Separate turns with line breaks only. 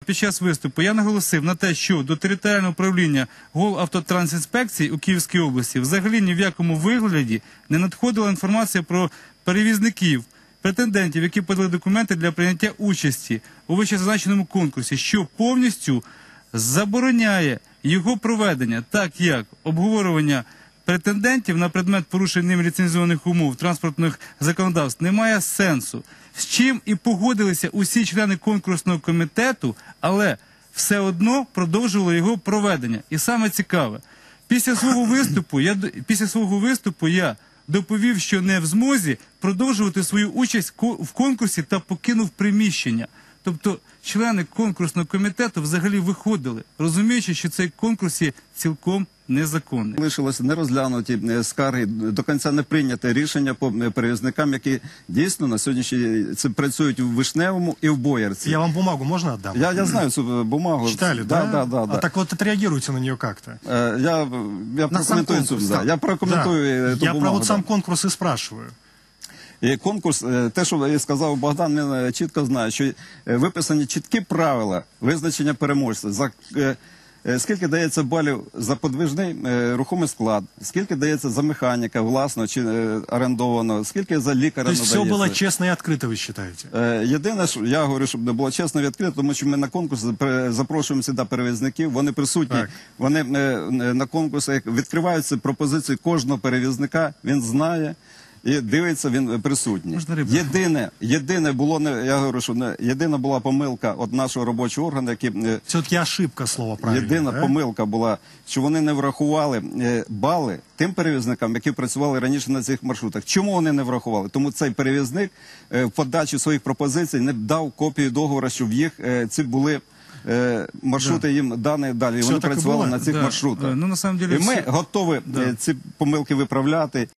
Під час виступу я наголосив на те, що до територіального управління Головавтотрансінспекції у Київській області взагалі ні в якому вигляді не надходила інформація про перевізників, претендентів, які подали документи для прийняття участі у вищезазначеному конкурсі, що повністю забороняє його проведення, так як обговорювання претендентів на предмет порушень ним ліцензованих умов транспортних законодавств немає сенсу. З чим і погодилися усі члени конкурсного комітету, але все одно продовжували його проведення. І саме цікаве, після свого виступу я доповів, що не в змозі продовжувати свою участь в конкурсі та покинув приміщення. Тобто члени конкурсного комітету взагалі виходили, розуміючи, що цей конкурс є цілком незаконний.
Лишилося не розглянуті скарги, до кінця не прийняте рішення по перевізникам, які дійсно на сьогоднішній працюють у Вишневому і в Боярці.
Я вам бумагу можно отдам?
Я знаю цю бумагу.
Читали, да?
Да.
А так вот отреагируйте на нее как-то.
Я прокоментую цю. Я прокоментую ту
Я
бумагу.
про вот сам конкурс и спрашиваю.
І конкурс, те, що сказав Богдан, він чітко знає, що виписані чіткі правила визначення переможця. Скільки дається балів за подвижний рухомий склад, скільки дається за механіка власного чи орендованого, скільки за лікаря надається.
То есть все было честно и открыто, вы считаете?
Єдине, що я говорю, щоб не було чесно і відкрито, тому що ми на конкурс запрошуємо сюди перевізників, вони присутні, вони на конкурсах відкриваються пропозиції кожного перевізника, він знає. І дивиться, він присутній. Єдине було, я говорю, що єдина була помилка від нашого робочого органу, який...
Все-таки ошибка, слово правильно.
Єдина помилка була, що вони не врахували бали тим перевізникам, які працювали раніше на цих маршрутах. Чому вони не врахували? Тому цей перевізник в подачі своїх пропозицій не дав копію договору, щоб їх ці були... маршрути їм дані далі, і вони працювали на цих маршрутах. І ми готові ці помилки виправляти.